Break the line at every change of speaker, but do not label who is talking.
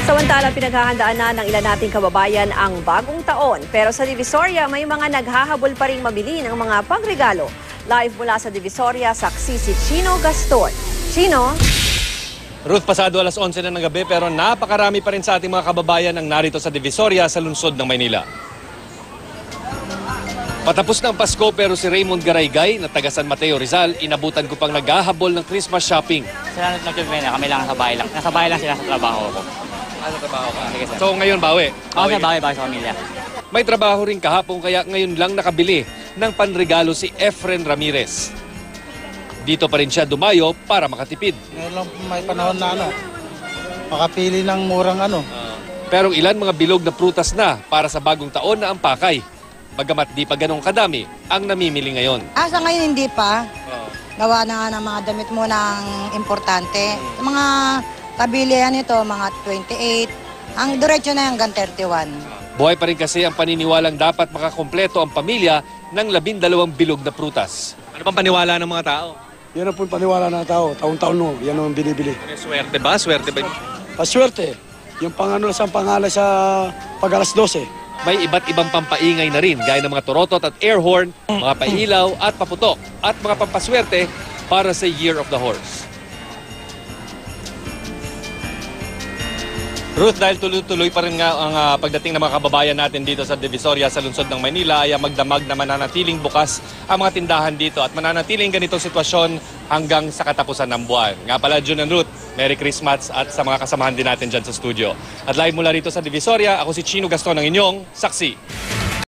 Samantala, pinaghahandaan na ng ilan nating kababayan ang bagong taon. Pero sa Divisoria, may mga naghahabol pa rin mabili ng mga pangregalo. Live mula sa Divisoria, saksi si Chino Gaston. Chino?
Ruth, pasado alas 11 na ng gabi pero napakarami pa rin sa ating mga kababayan ang narito sa Divisoria sa lungsod ng Maynila. Patapos ng Pasko pero si Raymond Garaygay na taga San Mateo Rizal, inabutan ko pang naghahabol ng Christmas shopping.
Sila nagtutulme na, kami lang nasa bahay lang. Nasa bahay lang sila sa trabaho ko.
Sa trabaho ka?
Sige, sir.
So ngayon bawi?
Ako sa bahay sa pamilya.
May trabaho rin kahapon kaya ngayon lang nakabili ng panregalo si Efren Ramirez. Dito pa rin siya dumayo para makatipid.
Ngayon lang may panahon na makapili ng murang
Pero ilan mga bilog na prutas na para sa bagong taon na ang pakay. Bagamat di pa ganong kadami ang namimili ngayon.
Sa ngayon hindi pa. Gawa na nga ng mga damit mo ng importante. Mga kabilihan nito, mga 28. Ang diretso na hanggang 31.
Buhay pa rin kasi ang paniniwalang dapat makakompleto ang pamilya ng 12 bilog na prutas. Ano pang paniwala ng mga tao?
Yan ang po paniwala ng tao. Taon-taon mo, yan ang binibili.
Swerte ba? Swerte ba?
Paswerte. Yung sa pangalan sa pag-alas 12.
May iba't ibang pampaingay na rin gaya ng mga torotot at air horn, mga pailaw at paputok at mga pampaswerte para sa Year of the Horse. Ruth, dahil tuloy-tuloy pa rin nga ang pagdating ng mga kababayan natin dito sa Divisoria sa lungsod ng Maynila ay magdamag na mananatiling bukas ang mga tindahan dito at mananatiling ganitong sitwasyon hanggang sa katapusan ng buwan. Nga pala, June and Ruth, Merry Christmas at sa mga kasamahan din natin dyan sa studio. At live mula rito sa Divisoria, ako si Chino Gaston, ang inyong saksi.